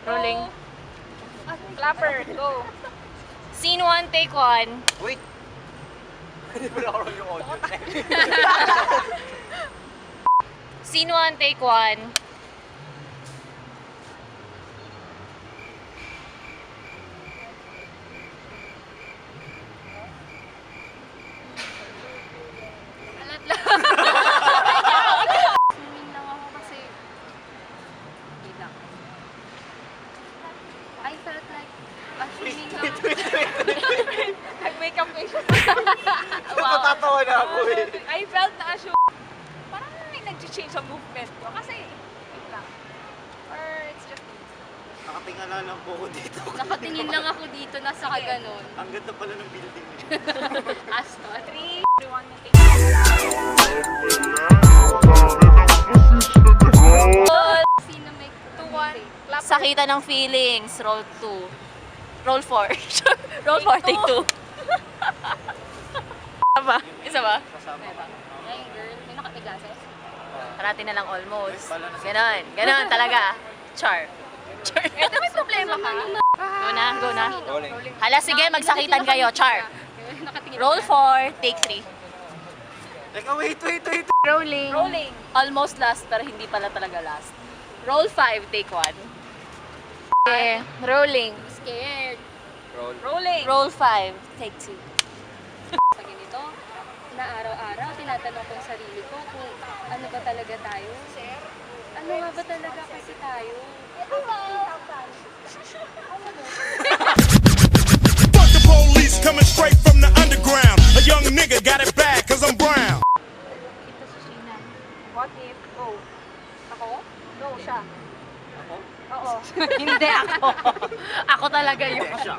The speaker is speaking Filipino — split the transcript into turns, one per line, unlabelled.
Rolling.
Clapper, go.
Scene 1, take 1.
Wait! Hindi mo nakaroon yung audio.
Scene 1, take 1.
Alat lang. Swimming lang ako kasi... Wait lang. I felt like swimming lang. Nag-makeup face.
Natatawa na ako eh.
I felt na parang may nag-change sa movement ko. Kasi, wait lang. Or it's just...
Nakatingala lang po ako dito.
Nakatingin lang ako dito, nasa kaganon.
Ang ganda pala ng building niya.
Aston. 3, 2, 1, take. Sino may 2, 1,
Sakita ng feelings. Roll 2. Roll 4. Roll 4, take 2. Isa ba? Isa ba?
Kasama ka.
Ay, girl, may nakapiglases?
Parati na lang almost. Ganon. Ganon talaga. Char. Char.
Ito may problema ka?
Go na, go na.
Rolling.
Hala, sige, magsakitan kayo. Char.
Nakatingin
Roll 4, take 3.
Teka, wait.
Rolling.
Rolling.
Almost last, pero hindi pala talaga last. Roll 5, take 1. Okay, rolling.
Scared.
Roll.
Rolling.
Roll 5, take 2.
Sa ganito, na araw-araw, tinatanong ko yung sarili ko kung ano ba talaga tayo. Ano nga ba talaga kasi tayo?
Fuck the police coming straight from the underground. A young nigga got it bad cause I'm brown.
Ito si Sheena. What if, go. Ako? Go, siya.
Ako?
Oo.
Hindi ako. Ako talaga yun.
Siya.